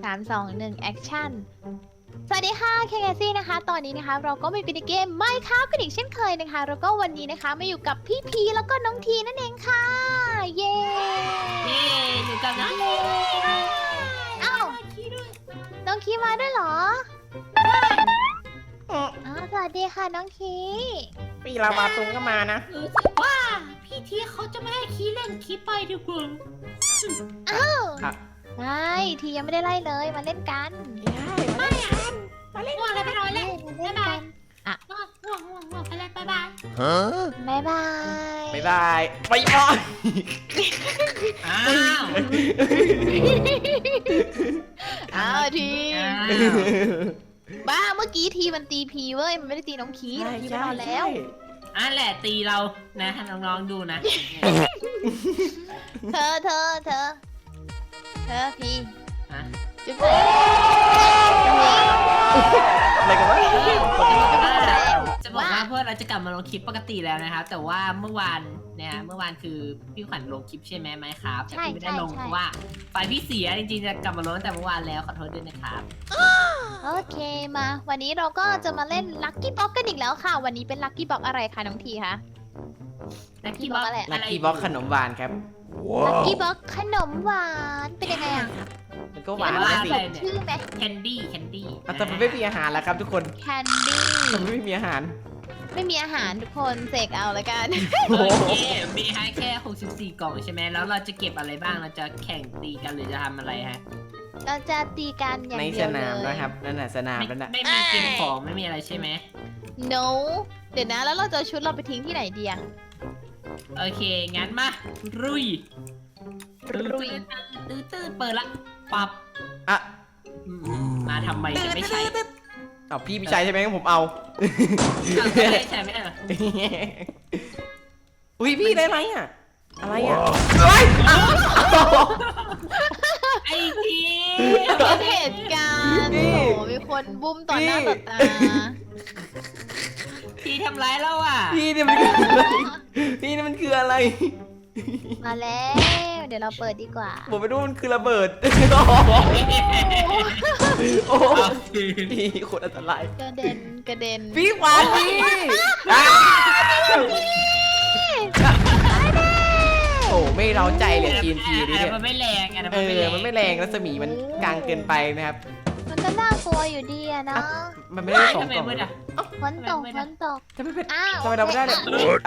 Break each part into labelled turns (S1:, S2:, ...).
S1: 3 2 1แอคชั่นสวัสดีค่ะเคเกซี่นะคะตอนนี้นะคะเราก็มีเป็นเกมไม่ครับกันอีกเช่นเคยนะคะแล้วก็วันนี้นะคะมาอยู่กับพี่พีแล้วก็น้องทีนั่นเองค่ะเย้
S2: อยู่กับน้อง
S1: อ้าวน้องคีมาด้วยเหรอสวัสดีค่ะน้องคี
S3: พี่ลาวาตุงก็มานะ
S2: รู้สึกว่าพี่ทีเขาจะไม่ให้คีเล่นคีไปดีกว่า
S1: อ้าว
S3: ครับ
S1: ไม่ทียังไม่ได้ไล่เลยมาเล่นกัน
S2: ไม่อันมาเล่นง่วงเลยไปนอนเล่น
S1: เล่นกัน
S2: ง่วงไปเล่นบ๊ายบาย
S1: บ๊ายบาย
S3: บ๊ายบายไปอ้อย
S2: อ้าว
S1: อ้าวทีบ้าเมื่อกี้ทีมันตีพีเว้ยมันไม่ได้ตีน้องคีน้องคีไปนอนแล้ว
S2: อันแหละตีเรานะให้น้องๆดูนะ
S1: เธอพี
S2: ฮะ
S1: จุ๊บเลย
S3: อะไรกันวะ
S2: จะบอกว่าพวกเราจะกลับมาลงคลิปปกติแล้วนะครับแต่ว่าเมื่อวานคือพี่ขวัญลงคลิปใช่ไหมครับแต่พี่ไม่ได้ลงเพราะว่าไฟพี่เสียจริงๆจะกลับมาลงตั้งแต่เมื่อวานแล้วขอโทษด้วยนะครับ
S1: โอเคมาวันนี้เราก็จะมาเล่นลัคกี้บ็อกกันอีกแล้วค่ะ วันนี้เป็นลัคกี้บ็อกอะไรคะน้องทีคะ
S2: ลักกี้บ็อก
S1: อะไร
S3: ลักกี้บ็อกขนมหวานครับ
S1: ลัคกี้บ็อกขนมหวานเป็นยังไงอ่ะ
S3: มันก็หวาน
S1: ว่า
S3: นะสิ
S1: สดชื่อไหม
S2: แคนดี้
S3: แต่มันไม่มีอาหารแล้วครับทุกคน
S1: แคนดี้
S3: มันไม่มีอาหาร
S1: ไม่มีอาหารทุกคนเสกเอาแล้วกัน
S2: โอเคมีให้แค่64กล่องใช่ไหมแล้วเราจะเก็บอะไรบ้างเราจะแข่งตีกันหรือจะทำอะไรฮะ
S1: เราจะตีกันอย่าง
S3: ใน
S1: เดี
S3: ส
S1: ยวเล
S3: นาม
S1: ย
S3: นะครับนั่นน่ะสนามนั่นน่ะ
S2: ไม่มีเก็บของไม่มีอะไรใช่ไหม
S1: no เดี๋ยวนะแล้วเราจะเอาชุดเราไปทิ้งที่ไหนดีอะ
S2: โอเคงั้นมารุย
S1: รุย
S2: ตื้อเปิดละปับ
S3: อ่ะ
S2: มาทำไมจะไม่ใช่
S3: เอาพี่พี่ชายใช่ไหมงั้นผมเอา
S2: ไม่ใช่ไม่ใช่เหรอ
S3: อุ้ยพี่ได้ไหมอ่ะอะไรอ่ะ
S2: ไอ้ที
S1: เป็นเหตุการณ์โอ้โหมีคนบุ้มต่อหน้าต่อตา
S2: ทีทำร้ายเราอ่ะ
S3: พี่เนี่ยมันคืออะไรพี่เนี่ยมันคืออะไร
S1: มาแล้ว เดี๋ยวเราเปิดดีกว่า
S3: ผมไม่รู้มันคือระเบิด โอ้โหพี่โคตรอันตราย
S1: กระเด็น
S3: พี่ขวานพี่โอ้ไม่เร้าใจเลย TNT นี่เนี่ย
S2: มันไม่แรงอ่ะ
S3: มันไม่แรงรัศมีมันกลางเกินไปนะครับ
S1: มันก็น่ากลัวอยู่ดีอะเนาะ
S3: มันไม่ได้สอง
S2: ทำไม
S3: กล่อง
S2: มืดอ่ะ
S1: ฝนตก
S3: ทำไมเป็น
S1: อ้าว
S3: ทำไมเราไม่ได้เลย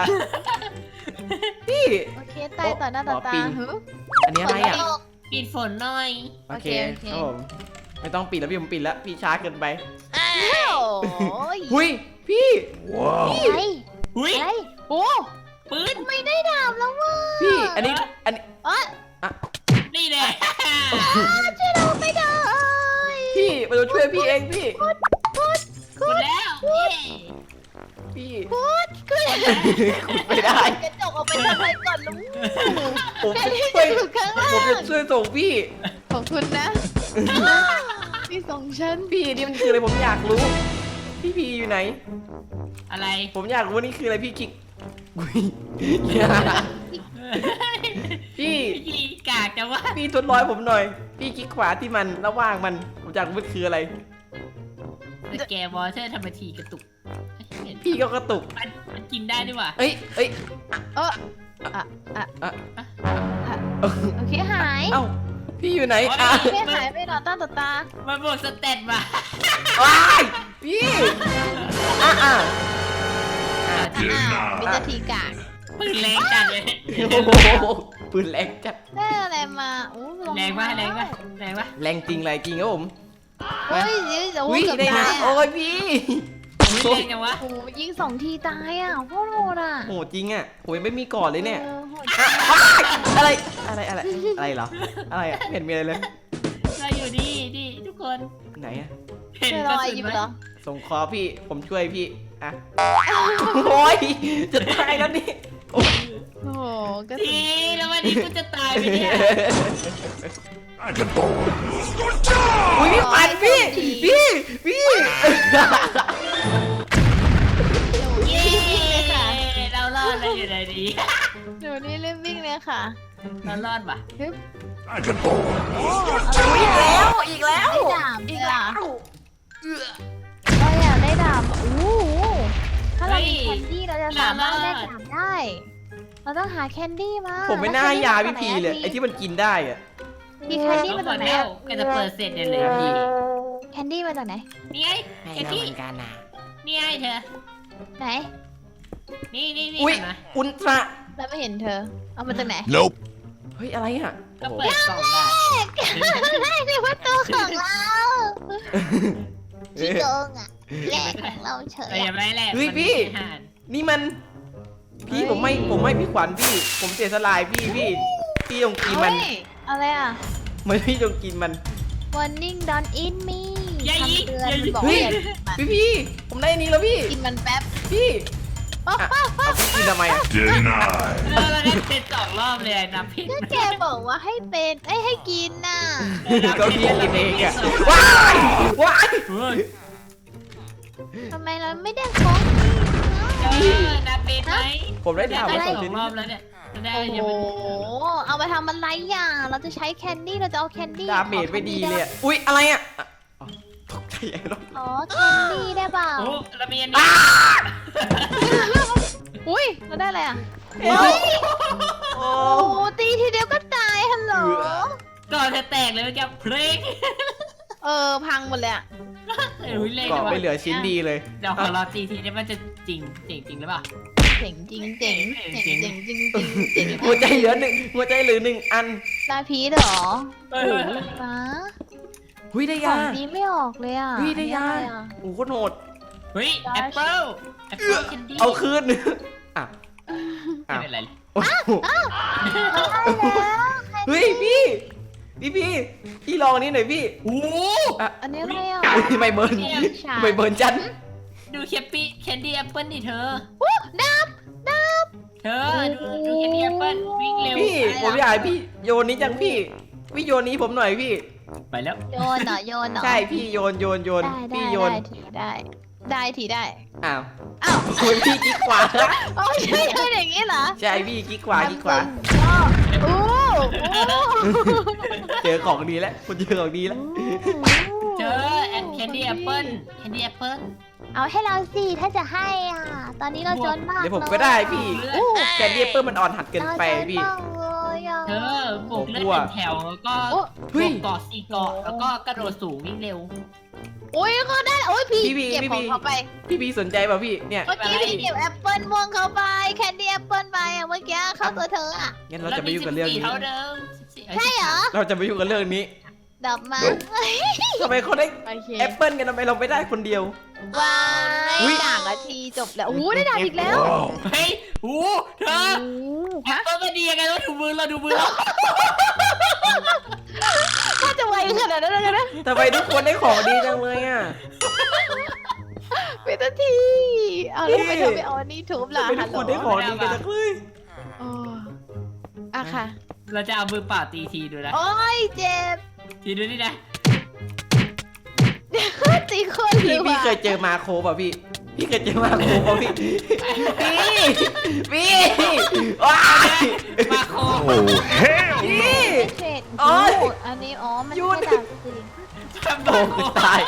S3: พี่
S1: โอเคตายต่อหน้าต่อตา
S3: ปิง
S1: หึ
S3: อันนี้อะไรอ่ะ
S1: ฝนตก
S2: ปิดฝนหน่อย
S3: โอเค
S1: โอเค
S3: ครับผมไม่ต้องปิดแล้วพี่ผมปิดแล้วพี่ช้าเกินไป
S1: โอ้ย
S3: หุยพี่
S1: อะไร
S2: หุ้ย
S1: อะไรโอ้
S2: ปืน
S1: ไม่ได้ดาบแล้วว่ะ
S3: พี่อันนี้
S1: อ๋อ
S2: นี่แหละ
S1: ช่วยเราไม่ได้
S3: พี่มาดูช่วยพี่เองพี่
S2: หมดแล้วเย้
S3: พี่
S1: พูดขึ้น
S3: ขุดไม่ได้
S1: กระจกออกไปทำอะไรก่อนลุง
S3: ผม
S1: แค่
S3: จะ
S1: ที่
S3: ช่วย
S1: อยู่ข้างล่า
S3: ผมจะ
S1: ง
S3: ช่วยส่งพี่
S1: ของคุณนะนี่ส่งฉัน
S3: พี่นี่มันคืออะไรผมอยากรู้ พี่พีอยู่ไหน
S2: อะไร
S3: ผมอยากรู้ว่านี่คืออะไรพี่คิกอุ๊ยพี่
S2: พี่กากจังวะ
S3: พี่ทดลอยผมหน่อย พี่คลิกขวาที่มันระหว่างมันผมอยากรู้มันคืออะไร
S2: สแกวอเตอร์ทำมาทีกระตุก
S3: พี่ก็กระตุก
S2: มันกินได้ด้วยว่ะ
S3: เอ้ย
S1: เออโอเคหาย
S3: เอ้าพี่อยู่ไหนอ่ะ
S1: โอเคหายไปต่อต้านต่อตา
S2: มันบวกสเตตมา
S3: ว้ายพี่อ่ะ
S1: มิจทีกาก
S2: ปืนแรงจัดเลย
S3: โอ้โหปืนแรงจัด
S1: ได้อะไรมาอู้
S2: แรงปะ
S3: แรงจริงไรจริงครับผม
S1: เฮ้ยเดี๋ยว
S3: อุ้ย
S1: เกือบ
S3: ได้
S1: ตา
S3: นะ
S1: ย
S3: โอ้
S1: อ่ะ
S3: ยพี่
S2: แรงจังวะ
S1: โอ้ยิง2 ทีตายอ่ะโคตรโหดอ่ะ
S3: โหจริงอ่ะผมยังไม่มีก่อนเลยเนี่ย
S1: โหด
S3: อะไรเหรออะไรอ่ะไม่เห็นมีอะไรเลย
S2: เราอยู่นี่ทุกคน
S3: ไหนอ่ะ
S2: เห็น
S1: เจอก ร
S2: ระ
S1: อย
S2: สุน
S1: ยิ้ม
S2: ไหม
S1: เหรอ
S3: ส่งคอพี่ผมช่วยพี่อ่ะโอ้ยจะตายแล้วนี่โอ้ย
S1: โอ้โหกระสุ
S2: ที
S1: น
S2: แล้ววันนี้กูจะตายไปเนี่ย
S3: อุ้ยพี่ปันพี่
S1: เย้
S2: เรารอดแล้วอยู่ไหนดี
S1: หนูนี่รีบวิ่งเลยค่ะ
S2: เรารอดว่ะ
S1: ฮึบ
S3: อีกแล้ว
S1: เราต้องหาแคนดี้มา
S3: ผมไม่น่าให้ยาพี่
S1: แล้ว
S3: พีเลยไอ้ที่มันกินได้อะ
S1: มีแคนดี้
S2: ก็
S1: มาจากไหน
S2: แล้วก็จะเปิดเสร็จเนี่ยเลยพี่
S1: แคนดี้มาจากไหน
S2: นี่ไงแคนดี้นี่ไงเธอ
S1: ไหน
S2: นี่
S3: อุ้ย
S2: เห็นไหม
S3: อุลตร้า
S1: เราไม่เห็นเธอ เอามาจากไหน
S4: Nope.
S3: เฮ้ยอะไรอ่ะ
S2: ก็
S3: โอ้โห
S2: เปิดกล่องได้
S1: ได้ในวัตถุของเราขี้โกงอ่ะแหลกของเราเฉย
S2: แต่ยังไม่แหละ
S3: เฮ้ย
S2: มัน
S3: พี่
S2: อาหาร
S3: นี่มัน พี่ผมไม่พี่ขวัญพี่ ผมเสียสลายพี่พี่ต้องกินมัน
S1: เฮ้ยอะไรอ่ะ
S3: ไม่พี่ต้องกินมัน
S1: warning don't eat me
S2: อย่ายิง
S1: คำเตือน
S2: อย่ายิง
S1: บอก
S3: เฮ้
S1: ว่าย อย่ากินมัน
S3: พี่ผมได้อันนี้แล้วพี่
S1: กินมันแป๊บ
S3: พี่
S1: อ๊ะ
S3: อ่ะเอาพี่กินทำไมอ่ะ
S4: Denied.
S2: เราได้เป็น2 รอบเลยนับผิด
S1: ก็แกบอกว่าให้เป็นให้กินน่ะ
S3: ก็พี่กินเองอ่ะว้ายว้าย
S2: เฮ้ย
S1: ทำไมเราไม่ได้ของกินเนาะ
S2: นับเป็นไหม
S3: ผมได้ถาม
S2: ได้
S3: มา
S2: ส
S3: ส
S2: อ
S3: อง งชิ้น
S2: รอบแล้วเนี่ยได้
S1: โอ้
S2: ยัง
S1: โห
S2: ไม่
S1: เอาไปทำอะไรอ่ะเราจะใช้แคนดี้เราจะเอาแคนดี้
S3: ดาเมจไม่ดีเลยอะอุ๊ยอะไรอ่ะอ่ะอ๋อตกใจไอ้รถ
S1: อ๋อแคนดี้ได้เปล่า
S2: โอ้เรามีอันนี้
S1: อุ้ยเราได้อะไรอ่ะ
S3: โอ้
S1: เฮ้ย
S3: โอ้
S1: โอ้โหตีทีเดียวก็ตายฮัลโหล
S2: ก่อนจะแตกเลยเมื่อกี้เพลง
S1: พังหมดเลยอ่ะ
S2: อุ้ยเล่น
S3: เกาะไม่เหลือชิ้นดีเลย
S2: เดี๋ยวขอรอตีทีนี้มันจะจริงหรือเปล่า
S1: เจ๋งจริงเจ๋งเจ๋งเจ๋งจริงจริงเจ๋ง
S3: หัวใจเหลือหัวใจเหลือ1 อัน
S1: ลาพีชเหรอ
S2: เอ
S1: โอ้
S2: อ
S1: โหฟ้า
S3: หุ้ยได้
S1: ข
S3: ยา
S1: องนี้ไม่ออกเลยอ่ะ
S3: เฮ้ยได้ยา
S1: อันนี้อะไรอ่ะ
S3: โอ้โหโคตรโหด
S2: เฮ้ยแอปเปิ้ลแคนดี้
S3: เอาคืนอ่ะ
S2: ไม่เป็นไร
S3: โอ้โห
S1: ได้แล้ว
S3: เฮ้ยพี่ลองอันนี้หน่อยพี่
S2: โอ้
S3: อ่ะ
S1: อันนี้อะไรอ่ะ
S3: อุ๊ยไม่เบิร์นไม่เบิร์นจัน
S2: ดูแคนดี้แอปเปิ้ลดิเธอ
S1: อู้ดับ
S2: เธอดูแคนดี้แอปเปิ้ลวิ่งเร็ว
S3: พี่ผมอยากให้พี่โยนนี้จังพี่โยนนี้ผมหน่อยพี่
S2: ไปแล้ว
S1: โยนเหรอโยนเหรอ
S3: ใช่พี่โยน
S1: ได้
S3: พี่โยน
S1: ได้ทีได้
S3: อ้าว
S1: อ้าว
S3: คุณพี่กิ๊กขวา
S1: โอ้ยใช่อย่างนี้เหรอ
S3: ใช่พี่กิ๊กขวา
S1: โอ้โห
S3: เจอของดีแล้วคุณเจอของดีแล้ว
S2: เจอแคนดี้แอปเปิ้ล
S1: เอาให้เราสิถ้าจะให้อ่ะ ตอนนี้เราจนมาก
S3: เดี๋ยวผมก็ได้พี่
S1: อู้
S3: แคนดี้เปิ้ลมันอ่อนหัดเกินไปพี่
S1: เราจนมากเลยอ่ะ
S2: เธอบวกเลือดเป็นแถวแล้วก็
S1: โอ้
S3: เฮ้ย
S2: เกาะ4 เกาะแล้วก็กระโดดสูงวิ่งเร็ว
S1: โอ้ยก็ได้โอ้ยพี่
S3: พี่
S1: เก็บของเขาไป
S3: พี่สนใจป่ะพี่เนี่ย
S1: เมื่อกี้พี่เก็บแอปเปิลม่วงเขาไปแคนดี้แอปเปิลไปอ่ะเมื่อกี้เข้าตัวเธออ่ะ
S3: งั้นเราจะไม่ยุ่งกับเรื่องนี้
S2: เท่าเดิม
S1: ใช่เหรอ
S3: เราจะไม่ยุ่งกับเรื่องนี้
S1: ดับมา
S3: ทำไมเขาได้
S1: โอเค
S3: แอปเปิ้ลกันทำไมเราไม่ได้คนเดียว
S1: ว้าย
S3: อุ๊ย
S1: ด่างนาทีจบแล้วโอ้โหได้ด่างอีกแล้ว
S4: Wow.
S2: เฮ้ยโอ้เธอ
S1: โอ้
S2: แอปเปิ้ลมันดียังไงเราดูมือเรา
S1: ถ้าจะไวขนาดนั้นเลยนะ
S3: ทำไมทุกคนได้ของดีจังเลยอ่ะ
S1: เป็นนาทีเอาแล้วทำไมเธอไม่เอาอันนี้ทุบล่ะ
S3: ทำไมทุกคนได้ของดีกันจังเลย
S1: โอ้อะค่ะ
S2: เราจะเอามือเปล่าตีทีดูนะ
S1: โอ้ยเจ็บ
S2: ทีดูนี่นะ
S1: ตีคนหรื
S3: พี่
S1: อ
S3: เคยเจอมาโคป่ะพี่เคยเจอมาโคป่ะพี่ว้าย
S2: มาโค
S4: Oh, hell
S3: พี่
S4: no.
S1: เทรด
S3: โอ๊ย
S1: อันนี้อ๋อมัน
S3: หยุ
S1: แค่
S3: ด
S1: ด่างจริง
S3: โอ้ตาย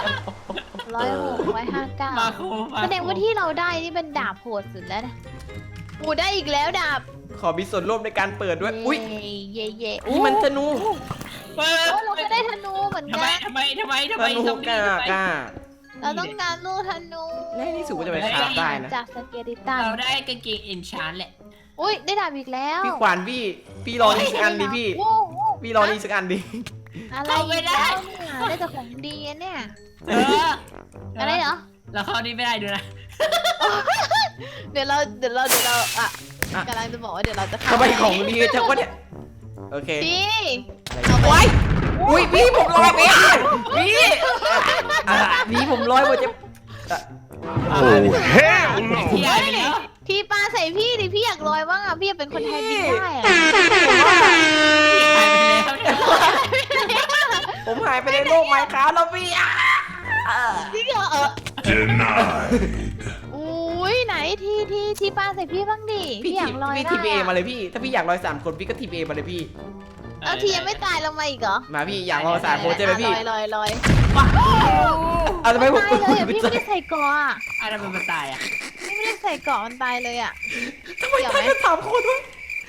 S1: 106
S2: มา
S1: 159
S2: โค
S1: แสดงว่าที่เราได้นี่เป็นดาบโหดสุดแล้วนะอูได้อีกแล้วดาบ
S3: ขอมีส่วนร่วมในการเปิดด้วยอุ้ย
S1: เย่เย่
S3: นี่มันธนู
S2: เปิด
S1: โอ้เราก็ได้ธนูเหมือน
S2: ทำ
S1: กั
S2: ไม
S1: น
S2: ทำไม
S3: ธนูกล้า
S1: เราต้องการลูกธนู
S3: และนี่สุดก็จะไปคราฟได้นะ
S1: จากสเกลิตัน
S2: เราได้กางเกงเอนชานแหละ
S1: อุ้ยได้ดาบอีกแล้ว
S3: พี่ขวานพี่รอนี่สักอันดิพี่
S1: โอ้โห
S3: พี่รอนี่สักอันดิ
S1: อะไรอีกแล้วเนี่ยได้แต่ของดีอะเนี่ย อะไรเหรอ
S2: เราเข้านี่ไม่ได้ด้วยนะ
S1: เดี๋ยวเราอ่ะกำลังจะบอกว่าเดี๋ยวเราจะเข้า
S3: ทำไมของดีจังวะเนี่ยโอเค
S1: พี่
S3: ไว้อุ้ยพี่ผมลอยไปพี่พี่ผมลอยหมดจะ
S4: Oh, hell
S2: เที่ย
S4: no.
S2: ไปแล้ว
S1: ทีปลาใส่พี่ดิพี่อยากลอยบ้างอ่ะพี่อยากเป็นคนไทยบินได้อ่ะ
S2: หายไปแล้วเนี่ย
S3: ผมหายไปในโลกไมค์ครับแล้วพี่
S1: จริงเหรอ
S4: Denied.
S1: อุ้ยไหนทีปลาใส่พี่บ้างดิพี่อยากลอย
S3: พี่
S1: ได้
S3: ทีเอมา
S1: อะ
S3: เลยพี่ถ้าพี่อยากลอย3 คนพี่ก็ทีเอมาเลยพี่
S1: เอาทียังไม่ตายลงมาอีกเหรอ
S3: มาพี่อยากลอย3 คนใช่ไหมพี่
S1: ลอย
S3: เอาทำไมผม
S1: ตายเลยอ่ะพี่ไม่ได้ใส่เกาะอ่ะ
S2: อะไรมันมาตายอ่ะ
S1: พี่ไม่ได้ใส่เกาะมันตายเลยอ่ะ
S3: ทำไมตายกัน3 คนวะ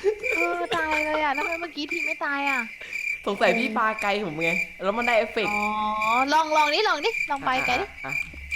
S1: ตายเลยอ่ะทำไมเมื่อกี้ทีไม่ตายอ่ะ
S3: สงสัยพี่ปาไกลผมไงแล้วมันได้เอฟเฟกต์
S1: อ๋อลองดิลองไปไกลดิ
S3: อ่ะ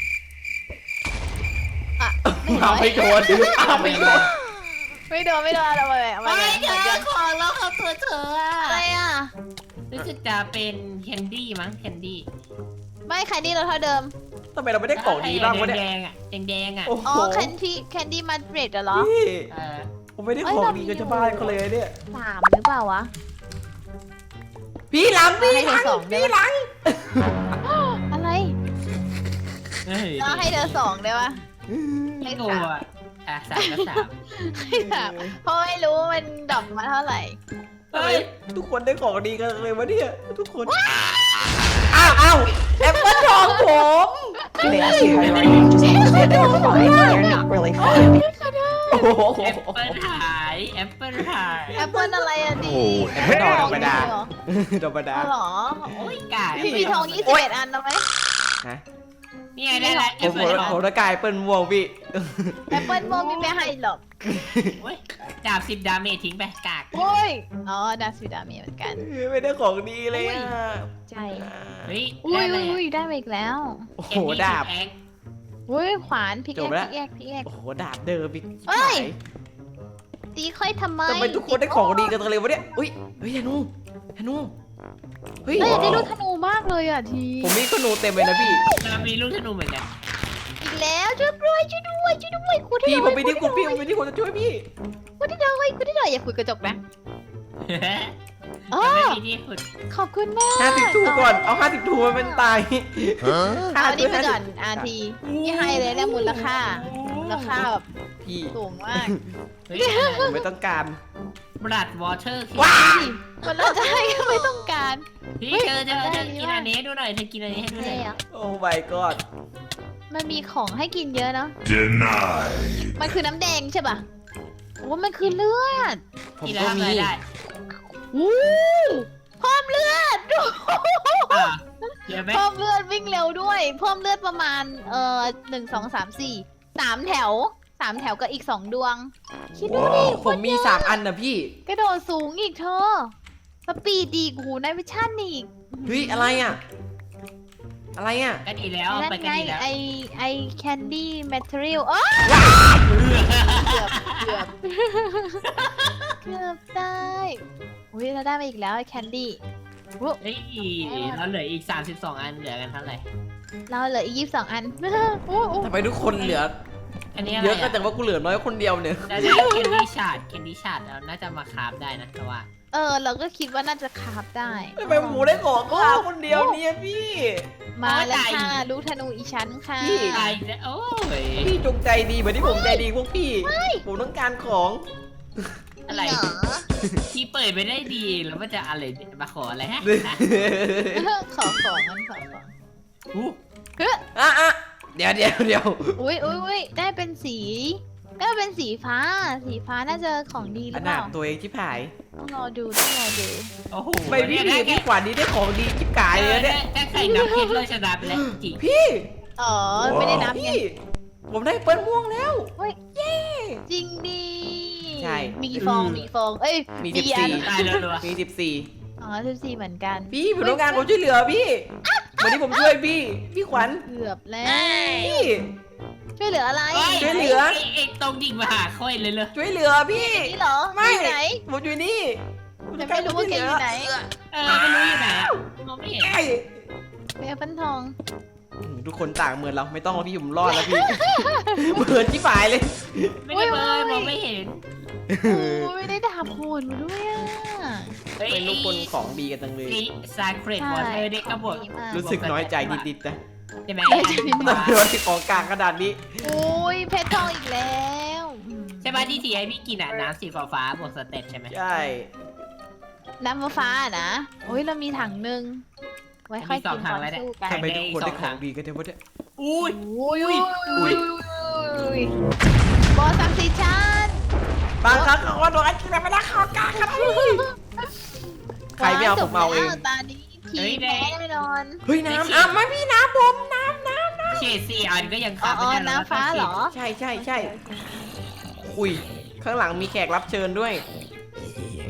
S1: อ่ะ
S3: เอาไม่โดนเอาไม่โดน
S1: ไม่โดนเราไป
S2: ไม่เจอของแล้วเขาตัวเธอ
S1: อะไรอ่ะ
S2: รู้สึกจะเป็นแคนดี้มั้งแคนดี้
S1: ไม่แคนดี้เราเท่าเดิม
S3: ทำไมเราไม่ได้ของดีบ้างวะเนี่ย
S2: แดงอ่ะแดงอ่ะ
S3: โอ้
S1: อ๋อ
S3: โห
S1: แคนดี้มาดริดเหรอ
S3: พี่
S2: เออ
S3: ผมไม่ได้ของดีกับชาวบ้านเขาเลยเนี่ย
S1: 3หรือเปล่าวะ
S3: พี่หลังพี่
S1: ให้
S3: ห
S1: เธ
S3: ลั
S1: อง 2ได้
S3: พี่
S1: ปะ
S3: หลัง
S1: อะไร
S2: เฮ้ย
S1: เราให้เธอ2ได้ปะ
S2: ไม่กลัวอ่ะ3ก็3
S1: ให้3เพราะไม่รู้ว่ามันดรอปมาเท่าไหร่
S3: ทำไมทุกคนได้ของดีกันเลยวะเนี่ยทุกคนอ้าวแอปเปิ้ลทองผม
S5: They ask you how you are, you just have to say that you're fine. They're not really fine.
S3: โอ้โห
S2: แอปเปิลหายแอปเปิลหาย
S1: แอปเปิลอะไรอ่ะดี
S4: โอ้
S3: แอปเปิ้ลทองธรรมดา
S1: เหรอ
S3: ธรรมดา
S1: อ๋อเหรอ
S2: โอ้ยกาด
S1: มีทอง21 อันนะไหม
S3: ฮะ
S2: นี่ไงได้ละแอ
S3: ผม
S2: ปเปิลทอง
S3: ผมตะกายเปิ้ลม่วงพี่
S1: แอปเปิลโมมีไม่ให้หรอก
S2: โอ้ยดาบ10 ดาเมจทิ้งไปกาก
S1: โอ้ยอ๋อดาซิดามีเหมือนกัน
S3: ไม่ได้ของดีเลยอ่ะ
S1: ใช่
S2: เฮ้ย
S1: อุ้
S2: ได้
S1: ย
S2: เลย
S1: อุ้ยได้มาอีกแล้ว
S3: โอ้โหดาบ
S1: อุ้ยขวานพิก
S3: จบ
S1: แอ
S3: แล้ว
S1: คพิกแอคพิกแอค
S3: โอ้โหดาบเดิมอีก
S1: เอ้ย ตีค่อยทำไม
S3: ทำไมทุกคนได้ของดีกันจังเลยวะเนี่ยอุ้ยเฮ้ยธนูเฮ้ย
S1: เฮ้ยอยากได้ลูกธนูมากเลยอ่ะที
S3: ผมมีธนูเต็มเลยนะพี่
S2: เรามีลูกธนูเหมือนกัน
S1: อีกแล้วช่วยด้วยคุณที่
S3: พี่
S1: ด
S3: ผมไม่ได้คุณพี่ผมไม่ได้คนจะช่วยพี่
S1: คุณที่ดอยอย่าคุยกระจกนะอ๋อ
S2: ไม่มีที่ขุด
S1: ขอบคุณมาก
S3: 50 ทูก่อน เอา 50 ทูมันตาย
S1: เอาอันนี้ไปก่อนอาทีนี่ให้เลยเนี่ยมูลค่าแบบ
S3: พี่
S1: สูงมาก
S2: เฮ้ย
S3: ผมไม่ต้องการ
S2: บลัดวอเตอร์
S3: ว้า
S1: มันเราจะให้ก็ไม่ต้องการ
S2: พี่เธอกินอันนี้ดูหน่อยเธอกินอันนี้ให้ดูหน่อย
S3: โอ้ my god
S1: มันมีของให้กินเยอะเนาะ
S4: Denied.
S1: มันคือน้ำแดงใช่ป่ะโอ้มันคือเลือด
S3: ผม
S2: กินแล้
S3: ก็
S2: วทำ
S3: มี
S2: อะไรได้
S1: วู้เพิ่มเลือด
S2: อ่ะเดี๋ยวไหม
S1: เพิ่มเลือดวิ่งเร็วด้วยเพิ่มเลือดประมาณ1 2 3 4 3 แถวกับอีก2 ดวง คิดดูดิ
S3: ผมมี 3 อันนะพี่
S1: กระโดดสูงอีกเธอสปีดดีกูในวิชั่นอีก
S3: เฮ้ย อะไรอ่ะ อะไรอ่ะ
S2: ก็ดีแล้ว
S1: นั่น
S2: ไปกัน
S1: ไง
S2: ดีแล้ว
S1: ไอแคนดี้แมทเทอเรียลเกือบได้อุ้ยเราได้มาอีกแล้วไอแคนดี้
S2: เฮ้ยเราเหลืออีก32 อันเหลือกันเท่าไหร่
S1: เราเหลืออีก22 อันโอ้โห
S3: ทำไมทุกคนเหลือ
S2: อันนี้อะไร
S3: เยอะก็แต่ว่ากูเหลือน้อยคนเดียวเนี่ย
S2: เราจะแคนดี้ชาร์ดเราน่าจะมาคราฟได้นะแต่ว่า
S1: เราก็คิดว่าน่าจะคราฟได้
S3: ทำไมหมูได้ของข้าคนเดียวเนี่ยพี่
S1: มาแล้วค่ะลูกธนูอีชั้นค่ะ
S3: พี่
S2: ตายแล้วโอ้ย
S3: พี่จงใจดีเหมือนที่ผมใจดีพวกพี่ ผมต้องการของ
S2: อะไร
S1: เหรอ
S2: ที่เปิดไปได้ดีแล้วมันจะอะไรมาขออะไรฮะ
S1: ขอของมันขอของ
S2: อู้
S3: อ่ะเดี๋ยว
S1: อุ้ยได้เป็นสีฟ้าน่าจะของดีห
S3: ข
S1: รือเป
S3: นาด
S1: ล่า
S3: ตัวเองที่ผาย
S1: ต้องรอดู
S2: โอ้โห
S3: ไม่พี่ขวัญนี้ได้ของดีจิ๊บกายเลยเนี่ย
S2: ถ้าใครนับเพชรเลยชนะไปแล้วจริง
S3: พี่
S1: อ๋อไม่ได้นับไง
S3: พี่ ผมได้เปิ้ลม่วงแล้ว
S1: จริงดี
S3: ใช่
S1: มีฟองเอ้ย
S3: มี
S1: อัน
S2: ตายแล้วรัว
S3: 14 มี14
S1: อ๋อ14เหมือนกัน
S3: พี่ผมต้องการความช่วยเหลือพี่ วันนี้ผมช่วยพี่ขวัญ
S1: เกือบแล้ว
S3: พี่
S1: ช่วยเหลืออะไร
S3: ช่วยเหลือ
S2: ไอ้ตรงดิ่งมาหาค่อยเลยเลย
S3: ช่วยเหลือพี่
S1: นี่เหรอ
S3: ไม่
S1: อยู่ไหน
S3: ผมอยู่นี่
S1: ยังไม่รู้ว่าแกอยู่ไหน
S2: ไม่รู้อยู่ไหนอ่ะมองไม่เห็น
S3: เอ้ย
S1: เปปั้นทอง
S3: ทุกคนต่างเหมือนเราไม่ต้องแล้วพี่ผมรอดแล้วพี่ เหมือนที่ฝ่ายเลย
S2: ไม่ได้เลยมองไม่เห็น
S1: โอ้ยได้ดาบโหดมาด้วยอ่ะ
S3: เป็นทุกคนของดีกันจังเลย
S2: นี่ซาเครตวอเตอร์เด็กกระบอก
S1: ดีมาก
S3: รู้สึกน้อยใจนิดๆนะ
S2: ใช่ไหม
S3: โดนของกลางขนาดนี้
S1: โอ้ยเพชรทองอีกแล้วอืม
S2: ใช่ไหมที่ทีไอพี่กินอ่ะน้ำสีฟ้าบวกสเต็ปใช่ไหม
S3: ใช่
S1: น้ำฟ้าๆนะโอ้ยเรามีถังหนึ่งไว้ค่อยกินตอนสู้กัน
S3: ทำไมทุกคนได้ของดีกันเท่านี้
S2: อุ้ย
S1: โอ้ยบอสซักซิชัน
S3: บางครั้งเขาก็โดนไอ้ที่ไม่ได้ของกลางครับใครไม่เอาผมเอาเอง
S1: ตานี้ทีแพ้แน่นอน
S3: เฮ้ยน้ำมาพี่น้ำผมน้ำ
S2: เฉดสี่อันก็ยัง
S1: อ๋
S2: ขาด
S1: อ
S2: ไม่ได้
S1: น้ำฟ้าเหรอ
S3: ใช่อุ้ยข้างหลังมีแขกรับเชิญด้วย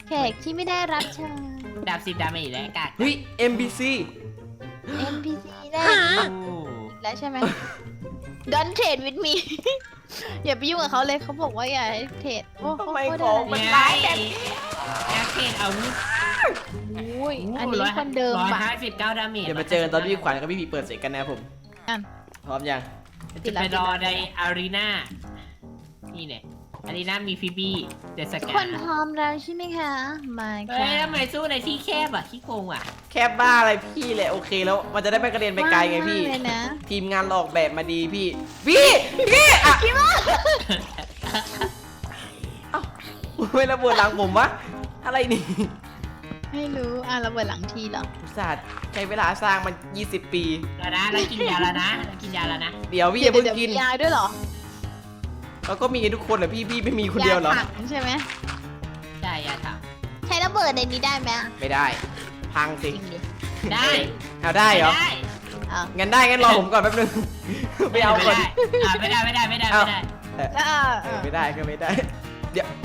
S1: แขกที่ไม่ได้รับเชิญ
S2: ดาบ10 ดาเมจแล้วกาก
S3: เฮ้ย MBC
S1: NPC แน่
S2: โอ้
S1: อีกแล้วใช่ไหม Don't trade with me อย่าไปยุ่งกับเขาเลยเขาบอกว่าอย่าให้เทรดโอ้
S3: ทำไม
S1: โคตร
S3: ของมันร้ายแบบ
S2: แอคเทนอาวุธ
S1: โอ้ยอันนี้คนเดิมปะ
S2: 159 ดาเมจ
S3: เดี๋ยวมาเจอกันตอนพี่ขวัญกับพี่พีเปิดเสร็จกันนะครับผม
S1: อ่ะ
S3: พร้อมยัง
S2: จะไปรอในอารีนานี่เนี่ยอารีนามีฟิบี้เดส
S1: ทุก
S2: กา
S1: คนพร้อมแล้วใช่ไหมคะมา
S2: เฮ้
S1: ค่ะ
S2: ยทำไมสู้ในที่แคบอ่ะขี้โกงอ่ะ
S3: แคบบ้าอะไรพี่แหละโอเคแล้วมันจะได้ไม่กระเด็นไปไกลไงพี่
S1: ว่างมากเลยนะ
S3: ทีมงานเราออกแบบมาดีพี่พี่อ่ะเอ้าไม่ระเบิดหลังผมวะอะไรนี่
S1: ไม่รู้ระเบิดหลังทีเหรอ
S3: อุตส่าห์ใช้เวลาสร้างมัน20 ปี
S2: แล้วนะแล้วกินยาแล้วนะแล้วกินยาแล้วนะ
S3: เดี๋ยวพี่อย่าเพิ่ง
S1: เดี๋ยว
S3: กิน
S1: มียาด้วยเหรอ
S3: แล้วก็มีกันทุกคนเหรอพี่ไม่มีคนเดียวเหรอ
S1: าถังใช่ไหม
S2: ใช่ยาท
S1: ใช้ระเบิดในนี้ได้ไหม
S3: ไม่ได้ พัง
S1: จ
S3: สิ
S1: ริงดิ
S2: ำได้
S3: เอาได้เหรอ
S2: ได้
S1: อ้าว
S3: งั้นได้งั้นรอผมก่อนแป๊บนึงไปเอาก่อน
S2: ไม่ได้ไม่ได้
S3: ไม่ได้ก็ไม่ได้ เดี๋ยว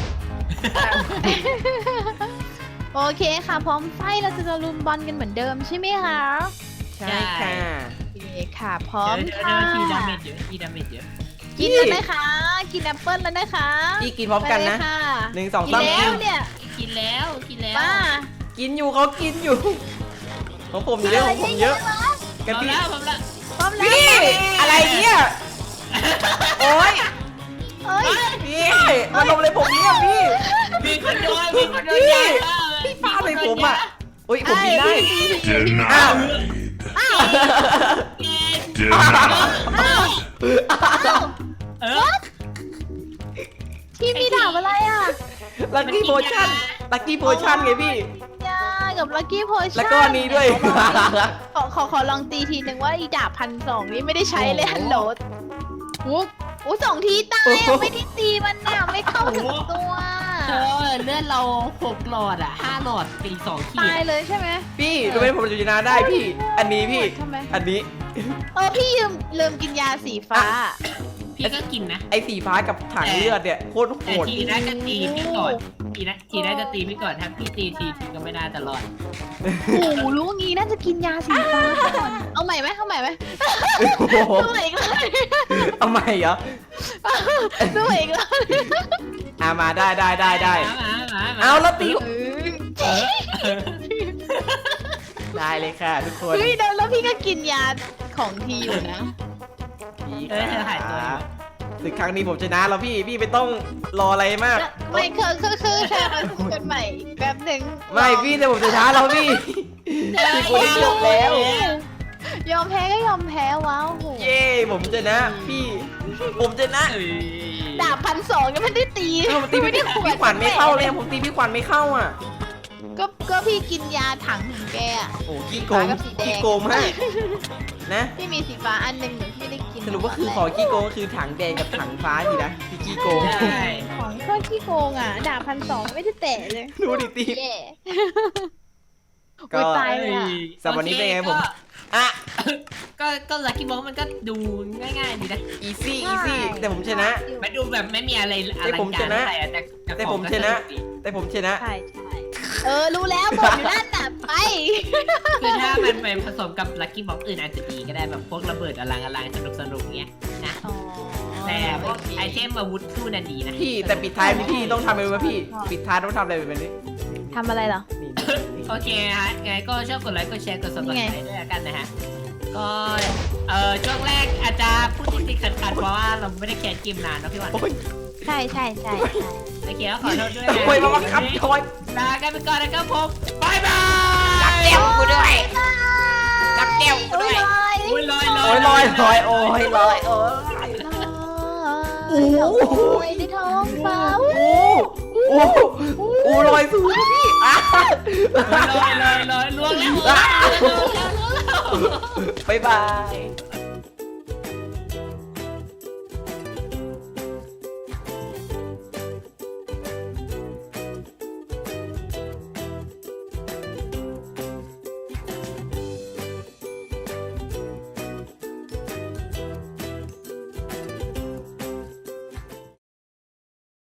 S1: โอเคค่ะ พร้อมไฟเราจะตะลุมบอลกันเหมือนเดิมใช่ไหมคะ
S3: ใช่ค่ะ
S1: โอเคค่ะ พร้อม
S2: เดี๋ยว
S1: ค่ะ
S2: ทีดาเมจเยอะทีดาเมจเยอะ
S1: กินแล้วนะคะ กินแอปเปิ้ลแล้วนะคะ
S3: พี่กินพร้อมกันนะ
S1: ไปเลยค่ะ
S3: 1 2
S1: กิน
S3: 3
S1: แล้วเนี่ย
S2: กินแล้วกินแล้ว
S1: มา
S3: กินอยู่เขากินอยู่ของผมเยอะของผมเยอะกัน
S2: พร้อม
S3: พี่
S2: แล้วพร้อมแล้ว
S1: พร้อมแล้ว
S3: พี่อะไรเนี่ยโอ๊ย
S1: เอ้ย
S3: พี่มาลงเลยผมเนี่ยพี่
S2: มีคนโดนมีคนโดนยา
S3: พี่ฟาดเลยผมอ่ะอุ้ยผมกินได้
S4: Denied.
S2: กิน
S4: Denied.
S2: เออ
S1: ที่มีดาบอะไรอ่ะ
S3: ลัคกี้โพชั่นลัคกี้โพชั่นไงพี่
S1: ยากับลักกี้โพชั่น
S3: แล้วก็อันนี้ด้วย
S1: ขอลองตีทีหนึ่งว่าอีดาบ1,200นี่ไม่ได้ใช้เลยฮัลโหลอู้2 ทีตายอ่ะไม่ได้ตีมันน่ะไม่เข้าถึงตัว
S2: เออเลือดเรา6 หลอดอ่ะ5 หลอดตี2 ขี
S1: ตาย
S2: ด
S1: เลยใช่ไหม
S3: พี่รู้ไหมผมจะชนะได้พี่ อันนี้พี่
S1: ทำไม
S3: อันนี้
S1: พี่ลืมกินยาสีฟ้า
S2: พี่ก็กินนะ
S3: ไอ้สีฟ้ากับถังเลือดเนี่ยโคตรโห
S2: แต่
S3: ด
S2: ทีน่าจะตีพี่ก่อนทีน่าจะตีพี่ก่อนถ้าพี่ตีทีก็ไม่น่าจะรอด
S1: โอ้โหรู้งี้น่าจะกินยาสีฟ้าก่อนเอาใหม่ไหมเอาใหม่ไหม
S3: โอ้โห
S1: สู้อีกเลย
S3: เอาใหม่เหรอ
S1: สู้อีกเลย
S3: มาได้เอาแล้วตีได้เลยค่ะทุกคน
S1: เฮ้ยแล้วพี่ก็กินยาของทีอยู่นะ
S3: พี่
S2: เออเธอหายตัวอยู่
S3: ศึกครั้งนี้ผมชนะแล้วพี่ไม่ต้องรออะไรมาก
S1: ไม่คือเธอมาสู้กันใหม่อีกแป๊บหนึ่ง
S3: ไม่พี่แต่ผมจะช้าแล้วพี่พี่คนนี้จบแล้ว
S1: ยอมแพ้ก็ยอมแพ้ว้าวโห
S3: เย้ผมชนะพี่ผมชนะ
S1: ดาบ1,200ยังไม่ได้ตี
S3: ผมตีพี่ขวัญไม่เข้าเลยผมตีพี่ขวัญไม่เข้าอ่ะ
S1: ก็พี่กินยาถังของแกอะ
S3: โอ้ขี้โกง
S1: ฟ้ากับสีแดง
S3: ขี้โกงมากนะ
S1: พี่มีสีฟ้าอันหนึ่งหนูพี่ได้กิน
S3: สรุปว่าคือขอขี้โกงก็คือถังแดงกับถังฟ้าทีนะพี่ขี้โกง
S2: ใช่
S1: ของก็ขี้โกงอ่ะดาบ1,200ไม่ได้แตะเลย
S3: ดูดิตี
S1: แย่
S3: ก็
S1: โอ้ยตายเลยอะ
S3: สำหรับวันนี้เป็นไงผมอ่ะ
S2: ก็ลักกี้บ็อกมันก็ดูง่ายๆดีนะ
S3: easy easy แต่ผมชนะ
S2: มันดูแบบไม่มีอะไรอลังการเท่าไหร่แต่
S3: แต่ผมชนะ แต่ผมชนะ
S1: ใช่รู้แล้วบอกอยู่นั่นน่ะไป
S2: คือถ้ามันไปผสมกับลักกี้บ็อกอื่นอาจจะดีก็ได้แบบพวกระเบิดอลังสนุกเงี้ยนะแต่พวกไอเทมอาวุธสู้น่ะดีนะ
S3: พี่แต่ปิดท้ายพี่ต้องทำอะไรไหมพี่ปิดท้ายต้องทำอะไรแบบนี้
S1: ทำอะไรเหรอ
S3: นี่
S2: โอเคฮะไงก็ชอบกดไลค์กดแชร์กด subscribe ด้วยกันนะฮะก็ช่วงแรกอาจจะพูดติดๆขัดๆเพราะว่าเราไม่ได้แคสเกมนานเนาะพี่หวาน
S3: โอ้ย
S1: ใช่
S2: โอเคก็ขอโทษด้วย
S3: โอ้ยมาบังคับทอย
S2: ลากันไปก่อนนะครับผมบายบาย
S3: จับแก้วกูด้วยจับแก้วกูด้วย
S2: โอ้ยลอย
S3: โอ้ยลอยโอ้ยลอยโอ้ย
S1: ในท้องฟ้า
S3: โอ้ลอยสูงพี่อ่ะ
S2: ลอยล่วงแล้ว
S3: บ๊ายบาย